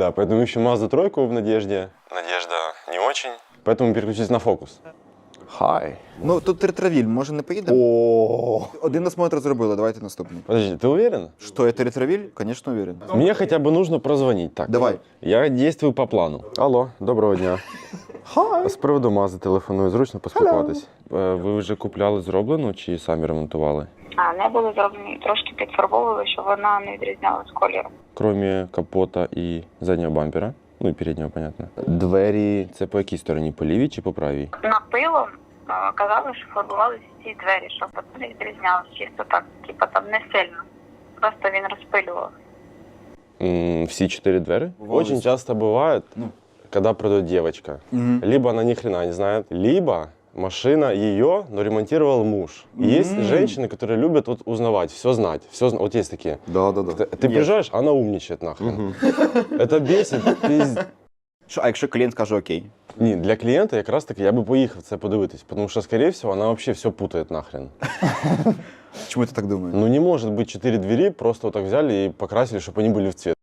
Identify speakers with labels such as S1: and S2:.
S1: Да, поэтому ищем Mazda 3 в Надежде. Надежда не очень. Поэтому переключились на Focus. Хай.
S2: Ну, тут ретровіль, може не поїдемо?
S1: О.
S2: Один осмотр зробили, давайте наступний.
S1: Подожди, ты уверен?
S2: Что, это ретровиль? Конечно, уверен.
S1: Мне хотя бы нужно прозвонить. Так,
S2: Давай.
S1: Я действую по плану. Алло, доброго дня. З приводу Мази телефоную, зручно поспілкуватись. Ви вже купляли зроблену чи самі ремонтували?
S3: Не були зроблені, трошки підфарбовували, щоб вона не відрізнялась кольором.
S1: Кроме капота і заднього бампера, ну і переднього, понятно. Двері, це по якій стороні, по лівій чи по правій?
S3: Напилом казали, що фарбувалися ці двері, щоб не відрізнялось, чисто так, типа там не сильно. Просто він розпилював.
S1: Всі 4 двери?
S2: Бывало.
S1: Очень часто бывает, когда продает девочка. Либо она ни хрена не знает, либо машина ее, но ремонтировал муж. И есть женщины, которые любят вот узнавать, все знать. Вот есть такие.
S2: Да.
S1: Ты приезжаешь, она умничает нахрен. Это бесит.
S2: А якщо клієнт каже окей?
S1: Ні, для клієнта якраз таки я би поїхав це подивитись, тому що, скорее всего, вона вообще все путает нахрен.
S2: Чому ти так думаєш?
S1: Ну не может быть 4 двери, просто вот так взяли и покрасили, чтобы они были в цвет.